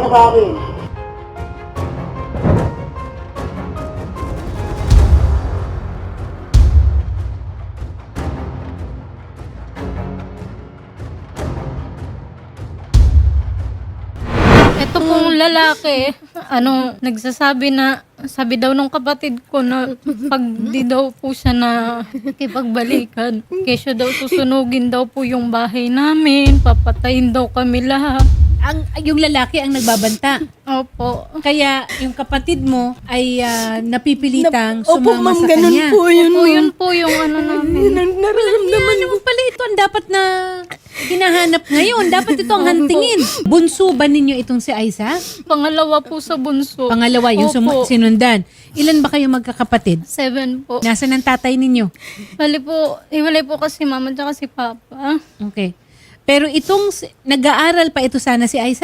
sa akin. Ito pong lalaki, nagsasabi na, sabi daw nung kapatid ko na pag di daw po siya na kipagbalikan, kesyo daw susunugin daw po yung bahay namin, papatayin daw kami lahat. Yung lalaki ang nagbabanta. Opo. Kaya yung kapatid mo ay napipilitang Opo, sumama ma'am, sa ganun kanya. po yun. Opo, yun po yung namin. Nararamdaman Ano pala ito ang dapat na hinahanap ngayon? Dapat ito ang hantingin. Bunso ba ninyo itong si Aiza? Pangalawa po sa bunso. Pangalawa, yung Opo. sinundan. Ilan ba kayo magkakapatid? 7 po. Nasaan ang tatay ninyo? Hiwalay po kasi mama at si papa. Okay. Pero nag-aaral pa ito sana si Aiza?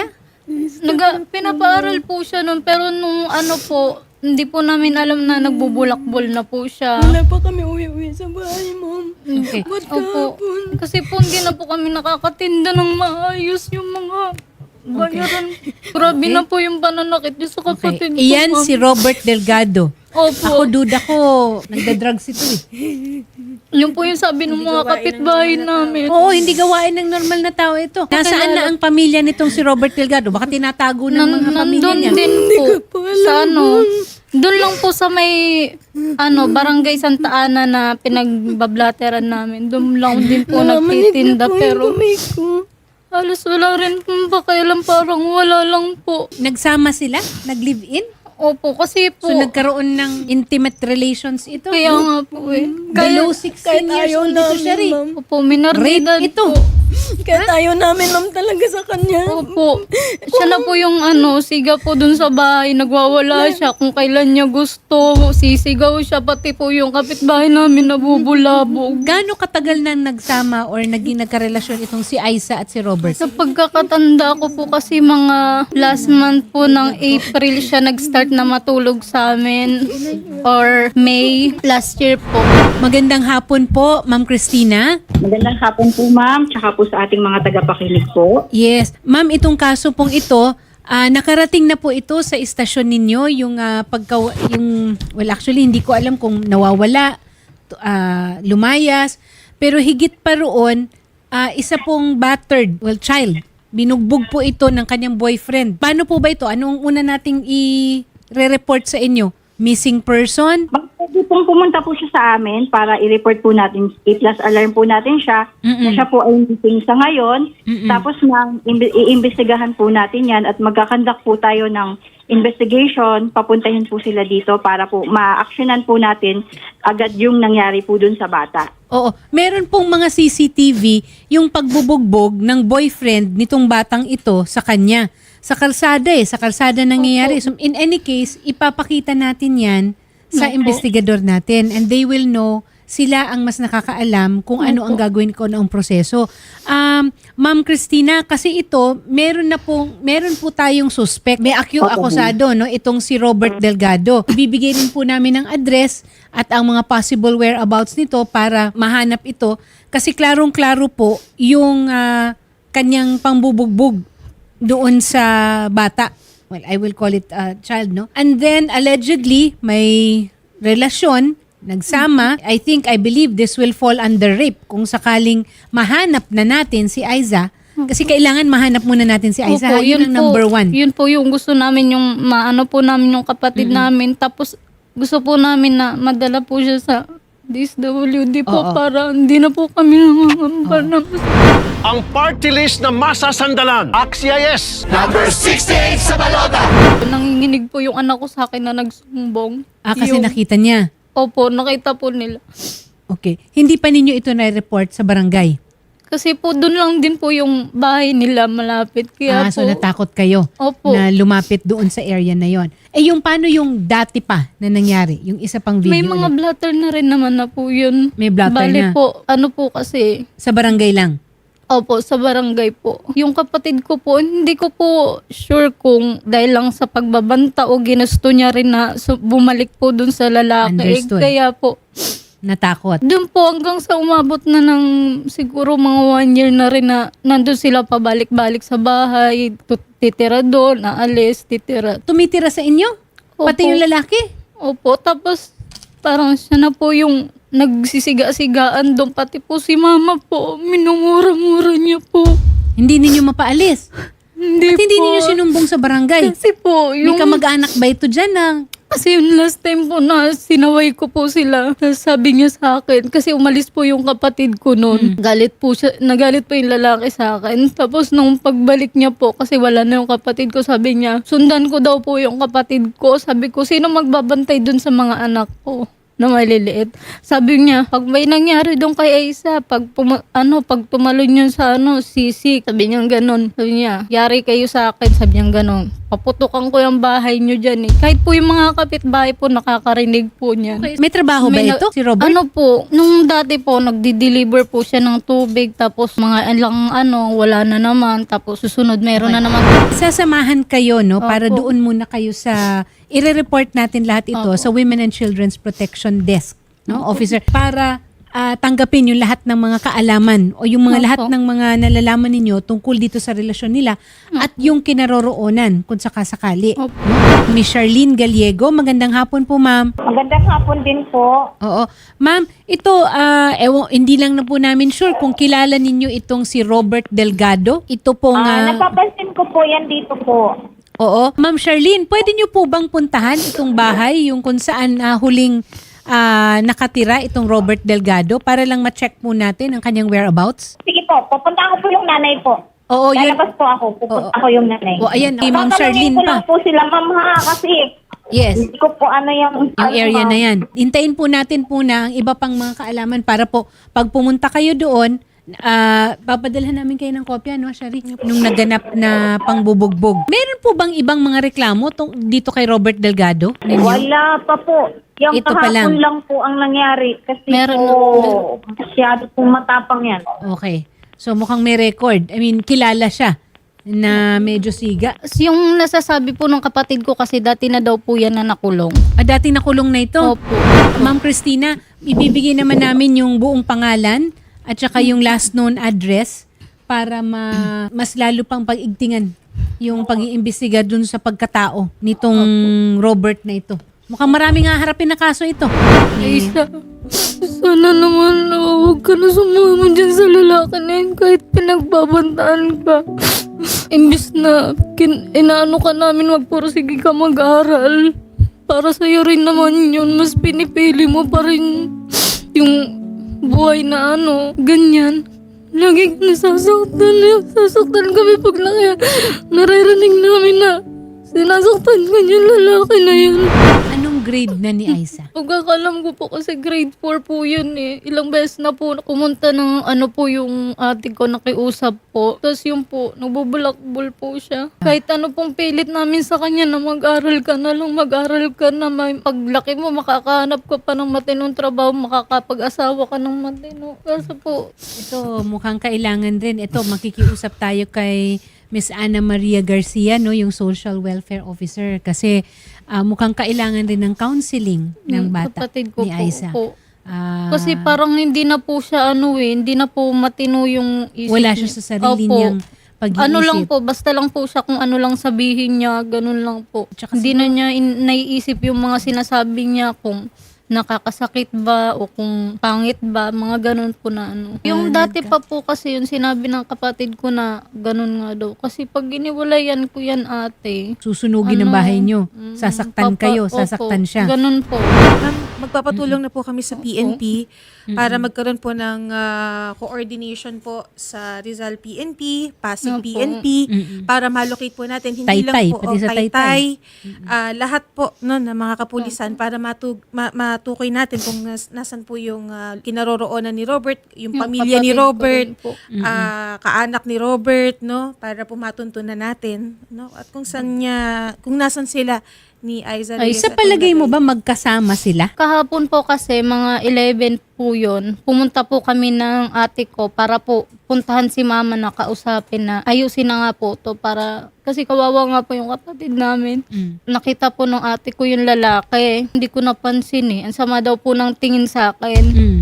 Pinapaaral po siya nun, pero nung hindi po namin alam na nagbubulakbol na po siya. Wala pa kami uwi-uwi sa bahay, ma'am. Okay. Ba't Opo. kahapon? Kasi po hindi na po kami nakakatinda ng maayos yung mga bayaran. Grabe na po yung pananakit niya sa Okay. kapatid ko. Iyan ma'am. si Robert Delgado. Opo. Ako duda ko, nagda-drugs ito eh. Yung po yung sabi ng mga kapitbahay namin. Oo, hindi gawain ng normal na tao ito. Nasaan na ang pamilya nitong si Robert Delgado? Baka tinatago ng mga pamilya Nandun niya. din po sa doon lang po sa may barangay Santa Ana na pinagbablateran namin. Doon lang din po nagtitinda pero halos wala rin pong pakialam, parang wala lang po. Nagsama sila? Nag-live-in? Opo, kasi po So nagkaroon ng intimate relations ito? kaya nga po Below 16 years ayaw old ito namin, siya rin. ma'am. Opo, minor de Rape edad ito. po. Kahit ayaw namin, ma'am, talaga sa kanya. Opo. Siya na po yung siga po dun sa bahay. Nagwawala siya kung kailan niya gusto. Sisigaw siya. Pati po yung kapitbahay namin nabubulabog. Gaano katagal nang nagsama or naging nagkarelasyon itong si Aiza at si Robert? Sa pagkakatanda ko po kasi mga last month po ng April siya nag-start na matulog sa amin. Or May last year po. Magandang hapon po, Ma'am Christina. Magandang hapon po, ma'am, tsaka po sa ating mga tagapakinig po. Yes. Ma'am, itong kaso pong ito, nakarating na po ito sa istasyon ninyo, well actually hindi ko alam kung nawawala, lumayas, pero higit pa roon, isa pong battered, child. Binugbog po ito ng kanyang boyfriend. Paano po ba ito? Anong una nating i-report sa inyo? Missing person? Pwede pong pumunta po siya sa amin para i-report po natin, i-plus alarm po natin siya na siya po ay missing sa ngayon. Tapos iimbestigahan po natin yan at magkakandak po tayo ng investigation, papuntahin po sila dito para po ma-actionan po natin agad yung nangyari po dun sa bata. Oo. Meron pong mga CCTV yung pagbubugbog ng boyfriend nitong batang ito sa kanya. Sa kalsada nangyayari. So in any case, ipapakita natin yan sa investigador natin and they will know, sila ang mas nakakaalam kung ano ang gagawin ko noong proseso. Ma'am Christina, kasi ito, meron po tayong suspect. May akusado, no? Itong si Robert Delgado. Ibibigay rin po namin ang address at ang mga possible whereabouts nito para mahanap ito. Kasi klarong-klaro po yung kanyang pangbubugbog doon sa bata. Well, I will call it a child, no? And then, allegedly, may relasyon, nagsama. I believe this will fall under rape kung sakaling mahanap na natin si Aiza. Kasi kailangan mahanap muna natin si Aiza. Opo, Yun ang number one. Yun po yung gusto namin, yung maano po namin yung kapatid namin. Tapos gusto po namin na madala po siya sa DSWD po Oo. para hindi na po kami nangangamba na. Ang party list na masasandalan. AXIS! Nanginginig po yung anak ko sa akin na nagsumbong. Kasi Yung- nakita niya. Opo, nakita po nila. Okay. Hindi pa ninyo ito na-report sa barangay? Kasi po doon lang din po yung bahay nila malapit. Kaya So po, natakot kayo Opo. na lumapit doon sa area na yon. Yung paano yung dati pa na nangyari? Yung isa pang video may mga ulit. blatter na rin naman na po yun. May blatter Bale na. po, po kasi, Sa barangay lang? opo, sa barangay po. Yung kapatid ko po, hindi ko po sure kung dahil lang sa pagbabanta o ginusto niya rin na bumalik po dun sa lalaki. Understood. Kaya po, natakot. Doon po hanggang sa umabot na ng siguro mga 1 year na rin na nandun sila pabalik-balik sa bahay, titira doon, naalis, titira. Tumitira sa inyo? Pati Opo. yung lalaki? Opo, tapos parang siya na po yung nagsisiga-sigaan doon. Pati po si mama po, minumura-mura niya po. Hindi ninyo mapaalis? Hindi At hindi po. ninyo sinumbong sa barangay? Kasi po, May yung... kamag-anak ba ito dyan na Kasi yung last time po na sinaway ko po sila, sabi niya sa akin, kasi umalis po yung kapatid ko noon. Galit po siya, nagalit po yung lalaki sa akin. Tapos nung pagbalik niya po, kasi wala na yung kapatid ko, sabi niya, sundan ko daw po yung kapatid ko. Sabi ko, sino magbabantay dun sa mga anak ko na maliliit? Sabi niya, pag may nangyari doon kay Aisa, pag tumalon yun sa sisik, sabi niya ganon. Sabi niya, yari kayo sa akin, sabi niya ganon. Paputukan ko yung bahay niyo dyan eh. Kahit po yung mga kapitbahay po, nakakarinig po niyan. may trabaho ba May ito, si Robert? Ano po, nung dati po, nagdi-deliver po siya ng tubig, tapos mga ilang wala na naman, tapos susunod meron na naman. Sasamahan kayo, no? Para Opo. doon muna kayo sa... I-report natin lahat ito sa Women and Children's Protection Desk, no? Officer. Para tanggapin yung lahat ng mga kaalaman o yung mga Opo. lahat ng mga nalalaman ninyo tungkol dito sa relasyon nila at yung kinaroroonan kung sakasakali. Opo. No? Miss Charlene Gallego, magandang hapon po, ma'am. Magandang hapon din po. Oo. Ma'am, ito, hindi lang na po namin sure kung kilala ninyo itong si Robert Delgado. Ito pong... Napapansin ko po yan dito po. Oo. Ma'am Charlene, pwede niyo po bang puntahan itong bahay, yung kung saan huling nakatira itong Robert Delgado para lang ma-check po natin ang kanyang whereabouts? Sige po, pupunta ko po yung nanay po. Oo, yun. Lalabas po ako, pupunta ko yung nanay. O, ayan, kay Ma'am Tatanungin Charlene ko pa. lang po sila, ma'am ha, kasi Yes. hindi ko po yung Yung area na yan. Hintayin po natin po na ang iba pang mga kaalaman para po pag pumunta kayo doon, papadalhan namin kayo ng kopya, no, Shari? Nung naganap na pangbubugbog. Meron po bang ibang mga reklamo dito kay Robert Delgado? Ninyo? Wala pa po. Yung Ito pa kahapon lang. lang po ang nangyari. Kasi Meron po, masyado pong matapang yan. Okay. So mukhang may record. I mean, kilala siya na medyo siga. Yung nasasabi po ng kapatid ko kasi dati na daw po yan na nakulong. Dati nakulong na ito. Opo. Ma'am Christina, ibibigay naman namin yung buong pangalan at saka yung last known address para mas lalo pang pag-igtingan yung pag-iimbestiga dun sa pagkatao nitong Robert na ito. Mukhang maraming haharapin na kaso ito. Aisa, sana naman huwag ka na sumama dyan sa lalaki na yun kahit pinagbabantaan ka. Imbis na inaano ka namin magpursige ka mag-aral. Para sa'yo rin naman yun, mas pinipili mo pa rin yung buhay na ganyan. Lagi ka nasasaktan. Sasaktan kami pag naririnig namin na sinasaktan ka yung lalaki na yun. Anong grade na ni Aisa? Pagkakalam ko po kasi grade 4 po yun eh. Ilang beses na po pumunta ng po yung ate ko nakiusap po. Tapos yung po, nagbubulakbol po siya. Kahit ano pong pilit namin sa kanya na mag-aral ka na lang, mag-aral ka na. May paglaki mo, makakahanap ka pa ng matinong trabaho, makakapag-asawa ka ng matino. Kasi po, Ito, mukhang kailangan rin. Ito, makikiusap tayo kay Miss Ana Maria Garcia, no, yung Social Welfare Officer. Kasi mukhang kailangan rin ng counseling ng bata kapatid ko ni Aisa. po. Ah, Kasi parang hindi na po siya hindi na po matino yung isip wala niya. siya sa sarili Opo. niyang pag-iisip. Ano lang po, basta lang po siya kung ano lang sabihin niya, ganun lang po. Tsaka Hindi na niya naiisip yung mga sinasabi niya kung nakakasakit ba o kung pangit ba, mga ganun po na Yung dati pa po kasi yung sinabi ng kapatid ko na ganun nga daw. Kasi pag iniwalayan ko yan ate, Susunugin ang bahay niyo. Sasaktan kayo, opo, sasaktan siya. Ganun po. Ma'am, magpapatulong na po kami sa PNP para magkaroon po ng coordination po sa Rizal PNP, Pasig Opo. PNP, para malocate po natin. Hindi Taytay, lang po, pati sa Taytay. lahat po no, ng mga kapulisan para matukoy natin kung nasan po yung kinaroroonan ni Robert, yung Yung pamilya ni kapatid ko Robert, rin po. kaanak ni Robert, no, para po matuntunan natin, no, at kung nasan sila ni Aiza Ay, Reyes. sa at palagay mo Nilagay. ba magkasama sila? Kahapon po kasi mga 11 po yun. Pumunta po kami ng ate ko para po puntahan si mama na kausapin na ayusin na nga po to para kasi kawawa nga po yung kapatid namin. Nakita po ng ate ko yung lalaki. Hindi ko napansin eh. Ang sama daw po ng tingin sa akin.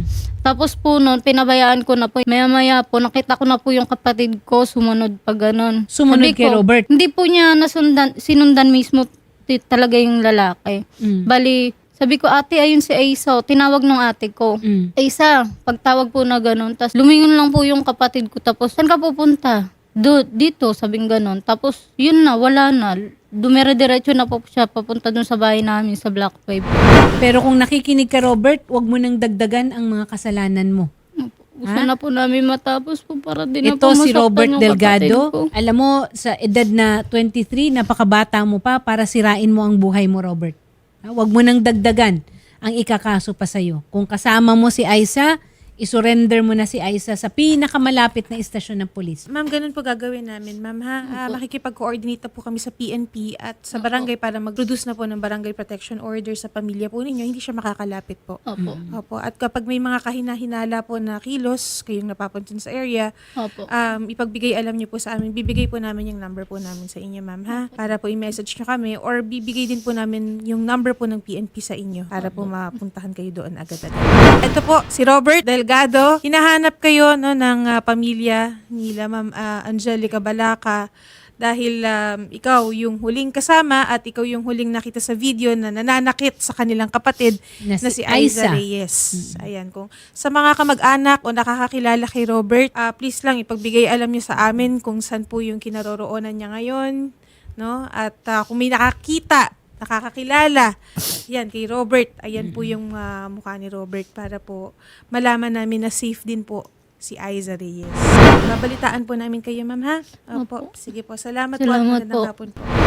Tapos po noon, pinabayaan ko na po. Maya-maya po, nakita ko na po yung kapatid ko sumunod pa ganun. Sumunod Sabi kay ko, Robert? Hindi po niya sinundan mismo talaga yung lalaki. Bali, sabi ko, ate, ayun si Aisa. Tinawag nung ate ko. Aisa, pagtawag po na ganun. Tapos lumingon lang po yung kapatid ko. Tapos, saan ka pupunta? Dito, sabing ganun. Tapos, yun na, wala na. Dumire-diretso na po siya papunta dun sa bahay namin sa Black 5. Pero kung nakikinig ka, Robert, wag mo nang dagdagan ang mga kasalanan mo. Gusto na po namin matapos po para din na Ito po si masaktan Robert yung Delgado. kapatid ko. Alam mo, sa edad na 23, napakabata mo pa para sirain mo ang buhay mo, Robert. Huwag mo nang dagdagan ang ikakaso pa sa'yo. Kung kasama mo si Aisa, isurrender mo na si Aisa sa pinakamalapit na istasyon ng pulis. Ma'am, ganun po gagawin namin, ma'am, ha? Makikipag-coordinate na po kami sa PNP at sa barangay para mag-produce na po ng barangay protection order sa pamilya po ninyo. Hindi siya makakalapit po. Opo. Opo. At kapag may mga kahinahinala po na kilos, kayong napapuntin sa area, Opo. ipagbigay alam niyo po sa amin. Bibigay po namin yung number po namin sa inyo, ma'am, ha? Para po i-message niyo kami or bibigay din po namin yung number po ng PNP sa inyo para po mapuntahan kayo doon agad-agad. Ito po, si Robert Delgado. Hinahanap kayo no, ng pamilya nila, Ma'am Angelica Balaca. Dahil ikaw yung huling kasama at ikaw yung huling nakita sa video na nananakit sa kanilang kapatid Na na si si Aiza Aiza. Reyes. Ayan, kung sa mga kamag-anak o nakakakilala kay Robert, please lang ipagbigay alam niyo sa amin kung saan po yung kinaroroonan niya ngayon, no? At kung may nakakakilala, yan kay Robert, ayan po yung mukha ni Robert para po malaman namin na safe din po si Aiza Reyes. Babalitaan po namin kayo, ma'am, ha? Opo. Sige po. Salamat po. Salamat Magandang po. hapon po.